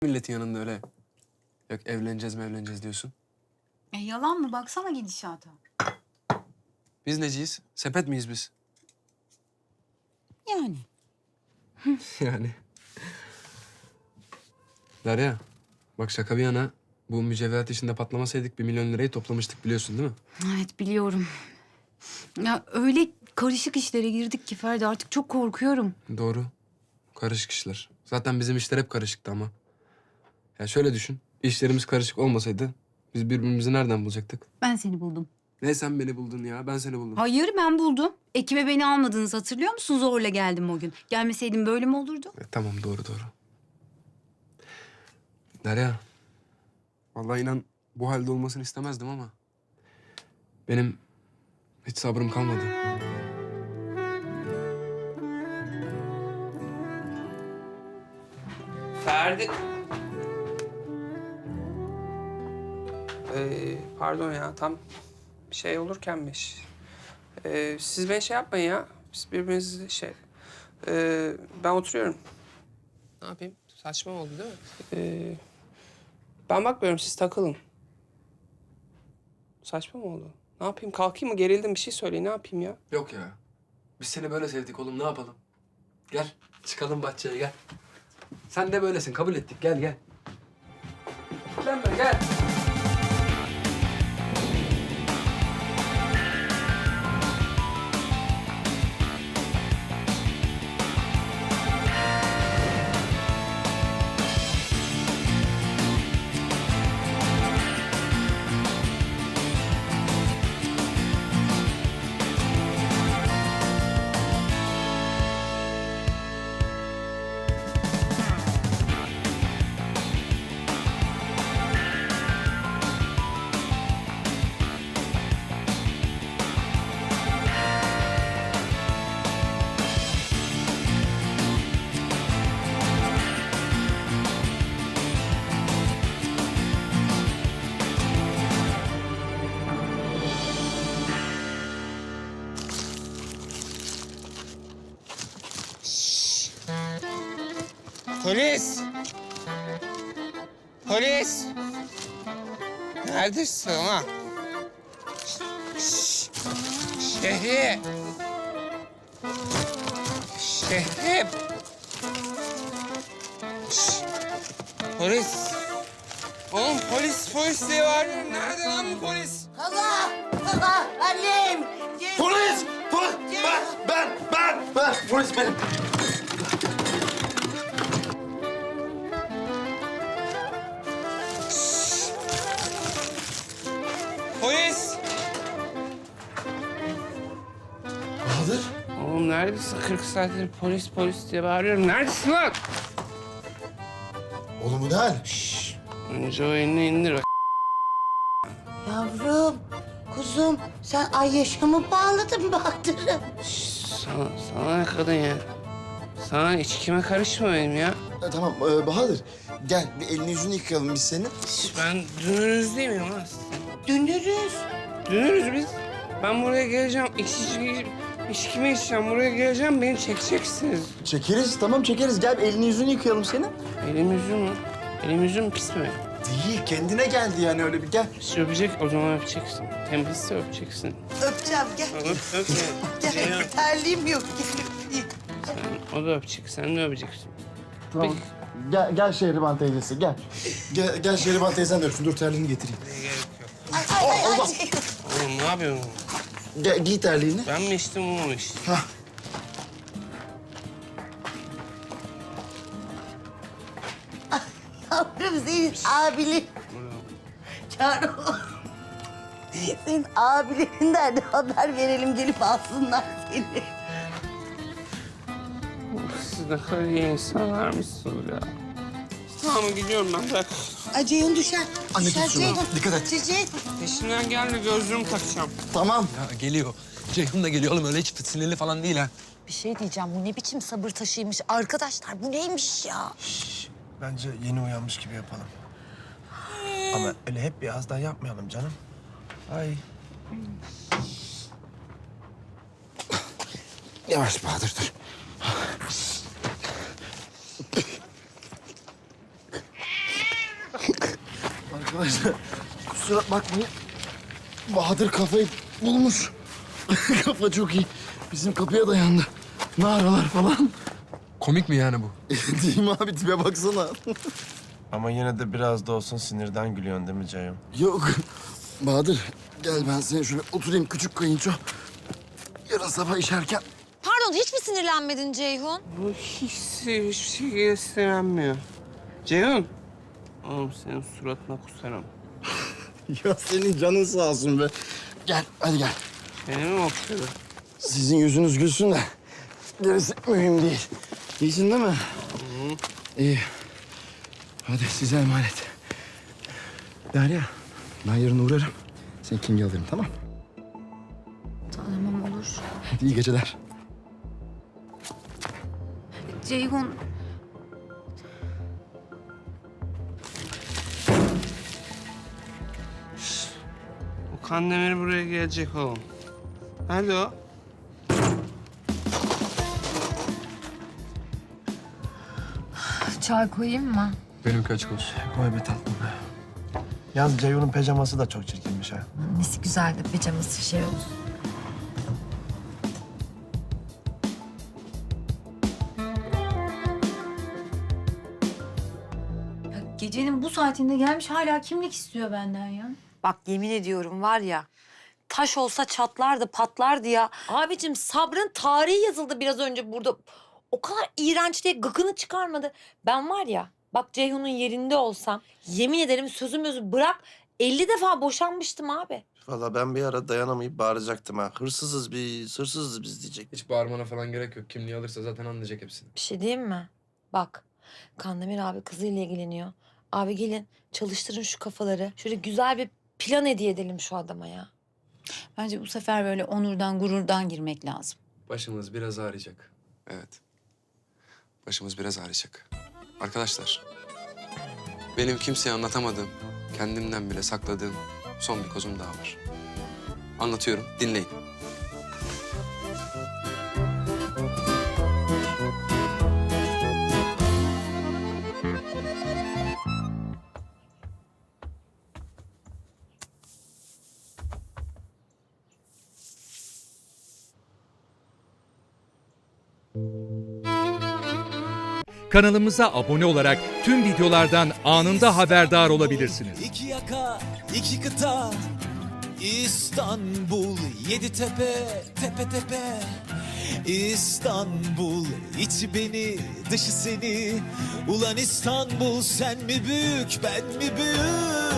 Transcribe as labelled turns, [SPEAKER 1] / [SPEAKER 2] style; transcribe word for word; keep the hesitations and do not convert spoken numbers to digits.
[SPEAKER 1] Milletin yanında öyle yok evleneceğiz mi evleneceğiz diyorsun.
[SPEAKER 2] E yalan mı? Baksana gidişata.
[SPEAKER 1] Biz neciyiz? Sepet miyiz biz?
[SPEAKER 2] Yani.
[SPEAKER 1] Yani. Derya, bak şaka bir yana bu mücevherat işinde patlamasaydık bir milyon lirayı toplamıştık biliyorsun değil mi?
[SPEAKER 2] Evet biliyorum. Ya öyle karışık işlere girdik ki Ferdi artık çok korkuyorum.
[SPEAKER 1] Doğru. Karışık işler. Zaten bizim işler hep karışıktı ama. Ya şöyle düşün. İşlerimiz karışık olmasaydı biz birbirimizi nereden bulacaktık?
[SPEAKER 2] Ben seni buldum.
[SPEAKER 1] Ne sen beni buldun ya, ben seni buldum.
[SPEAKER 2] Hayır ben buldum. Ekibe beni almadınız hatırlıyor musun? Zorla geldim o gün. Gelmeseydim böyle mi olurdu?
[SPEAKER 1] E, tamam doğru doğru. Derya. Vallahi inan bu halde olmasını istemezdim ama benim hiç sabrım kalmadı.
[SPEAKER 3] Ferdi... Ee, pardon ya, tam şey olurkenmiş. Ee, siz beni şey yapmayın ya. Biz birbirimizi şey... Ee, ben oturuyorum. Ne yapayım? Saçma oldu değil mi? Ee, ben bakmıyorum, siz takılın. Saçma mı oldu? Ne yapayım? Kalkayım mı? Gerildim, bir şey söyleyin. Ne yapayım ya?
[SPEAKER 1] Yok ya. Biz seni böyle sevdik oğlum, ne yapalım? Gel, çıkalım bahçeye gel. Sen de böylesin, kabul ettik. Gel, gel. Gel, gel.
[SPEAKER 3] Polis! Polis! Neredesin lan? Şehri! Şehri! Polis! Oğlum polis, polis diye bağırıyorum. Nerede lan bu polis?
[SPEAKER 4] Allah! Allah! Annem!
[SPEAKER 5] Polis! Polis! Ben, ben, ben, ben. Polis benim.
[SPEAKER 3] Polis!
[SPEAKER 5] Bahadır.
[SPEAKER 3] Oğlum neredesin? kırk saattir polis, polis diye bağırıyorum. Neredesin lan?
[SPEAKER 5] Oğlum bu ne hal?
[SPEAKER 3] Önce o elini indir bak.
[SPEAKER 4] Yavrum, kuzum sen ay yaşamı bağladın Bahadır'ım.
[SPEAKER 3] Sana, sana ne kadın ya? Sana içkime karışma benim ya.
[SPEAKER 5] E, tamam e, Bahadır. Gel bir elini yüzünü yıkayalım biz senin.
[SPEAKER 3] Ben dünürüz değil miyim lan?
[SPEAKER 4] Dönürüz.
[SPEAKER 3] Dünürüz biz. Ben buraya geleceğim, içki, içkimi içeceğim. Buraya geleceğim, beni çekeceksiniz.
[SPEAKER 5] Çekeriz tamam çekeriz. Gel bir elini yüzünü yıkayalım senin.
[SPEAKER 3] Elim yüzüm mü? Elim yüzüm pis mi?
[SPEAKER 5] Değil kendine geldi yani öyle bir gel.
[SPEAKER 3] Pis öpecek, o zaman öpeceksin. Temizse öpeceksin.
[SPEAKER 4] Öpeceğim gel.
[SPEAKER 3] Öp, öp ya.
[SPEAKER 4] Gel terliğim yok. Gel öpeyim.
[SPEAKER 3] Sen, o da öpecek, sen de öpeceksin.
[SPEAKER 5] Tamam.
[SPEAKER 3] Peki.
[SPEAKER 5] Gel, gel Şehriban teyzesi gel. Gel, gel Şehriban teyzen de öpsün. Dur terliğini getireyim.
[SPEAKER 3] Ne gerek yok.
[SPEAKER 4] Ay ay ay.
[SPEAKER 5] Allah!
[SPEAKER 4] ay.
[SPEAKER 3] Oğlum ne yapıyorsun?
[SPEAKER 5] Gel, giy terliğini.
[SPEAKER 3] Ben mi içtim, o mu içti?
[SPEAKER 5] Hah.
[SPEAKER 4] Yavrum senin abili. Çağır oğlum. Senin abilerinden de haber verelim gelip alsınlar seni.
[SPEAKER 3] Siz ne kadar iyi insanlarmışsınız ya. Tamam gidiyorum ben, bırak.
[SPEAKER 4] Ay Ceyhun düşer.
[SPEAKER 5] Anne
[SPEAKER 4] düşer
[SPEAKER 5] tut şunu.
[SPEAKER 4] Ceyhun.
[SPEAKER 5] Dikkat et.
[SPEAKER 4] Ceyhun.
[SPEAKER 3] Peşimden gelme, gözlüğümü takacağım.
[SPEAKER 5] Tamam.
[SPEAKER 1] Ya geliyor. Ceyhun da geliyor oğlum, öyle hiç sinirli falan değil ha.
[SPEAKER 6] Bir şey diyeceğim. Bu ne biçim sabır taşıymış? Arkadaşlar bu neymiş ya?
[SPEAKER 7] Bence yeni uyanmış gibi yapalım. Ama öyle hep bir ağızdan yapmayalım canım. Ay.
[SPEAKER 5] Yavaş Bahadır dur. Arkadaşlar kusura bakmayın. Bahadır kafayı bulmuş. Kafa çok iyi. Bizim kapıya dayandı. Naralar falan.
[SPEAKER 1] Komik mi yani bu?
[SPEAKER 5] Değil mi abi? Tipe baksana.
[SPEAKER 7] Ama yine de biraz da olsun sinirden gülüyorsun değil mi Ceyhun?
[SPEAKER 5] Yok. Bahadır gel ben seni şöyle oturayım küçük kayınço. Yarın sabah işerken
[SPEAKER 6] Pardon hiç mi sinirlenmedin Ceyhun?
[SPEAKER 3] Bu hiç hiçbir şey göstermiyor. Ceyhun. Oğlum senin suratına kusarım.
[SPEAKER 5] ya senin canın sağ olsun be. Gel hadi gel.
[SPEAKER 3] Seni mi okşadı?
[SPEAKER 5] Sizin yüzünüz gülsün de gerisi mühim değil. İyisin değil mi? İyi. Hadi size emanet. Derya ben yarın uğrarım. Seni King'e alırım tamam?
[SPEAKER 2] Tamam olur.
[SPEAKER 5] Hadi iyi geceler.
[SPEAKER 2] Ceyhun,
[SPEAKER 3] Bu Kandemir buraya gelecek oğlum. Nerede o?
[SPEAKER 6] Çay koyayım mı?
[SPEAKER 1] Benimki açık olsun.
[SPEAKER 7] Koy be tatlım be. Yalnız Ceyhun'un pijaması da çok çirkinmiş ha.
[SPEAKER 6] Nesi güzel de pijaması şey olsun.
[SPEAKER 2] ya gecenin bu saatinde gelmiş hala kimlik istiyor benden ya.
[SPEAKER 6] Bak yemin ediyorum var ya, taş olsa çatlardı, patlardı ya. Abicim sabrın tarihi yazıldı biraz önce burada. O kadar iğrenç diye gıkını çıkarmadı. Ben var ya, bak Ceyhun'un yerinde olsam yemin ederim sözüm özü bırak elli defa boşanmıştım abi.
[SPEAKER 7] Vallahi ben bir ara dayanamayıp bağıracaktım ha. Hırsızız biz, hırsızız biz diyecek.
[SPEAKER 1] Hiç bağırmana falan gerek yok. Kimliği alırsa zaten anlayacak hepsini.
[SPEAKER 6] Bir şey diyeyim mi? Bak Kandemir abi kızıyla ilgileniyor. Abi gelin çalıştırın şu kafaları. Şöyle güzel bir plan hediye edelim şu adama ya.
[SPEAKER 2] Bence bu sefer böyle onurdan, gururdan girmek lazım.
[SPEAKER 1] Başımız biraz ağrıyacak. Evet. Başımız biraz ağrıyacak. Arkadaşlar, benim kimseye anlatamadığım, kendimden bile sakladığım son bir kozum daha var. Anlatıyorum, dinleyin.
[SPEAKER 8] Kanalımıza abone olarak tüm videolardan anında haberdar olabilirsiniz.
[SPEAKER 9] İki yaka, iki kıta, İstanbul, yedi tepe, tepe tepe. İstanbul, içi beni, dışı seni. Ulan İstanbul, sen mi büyük, ben mi büyük?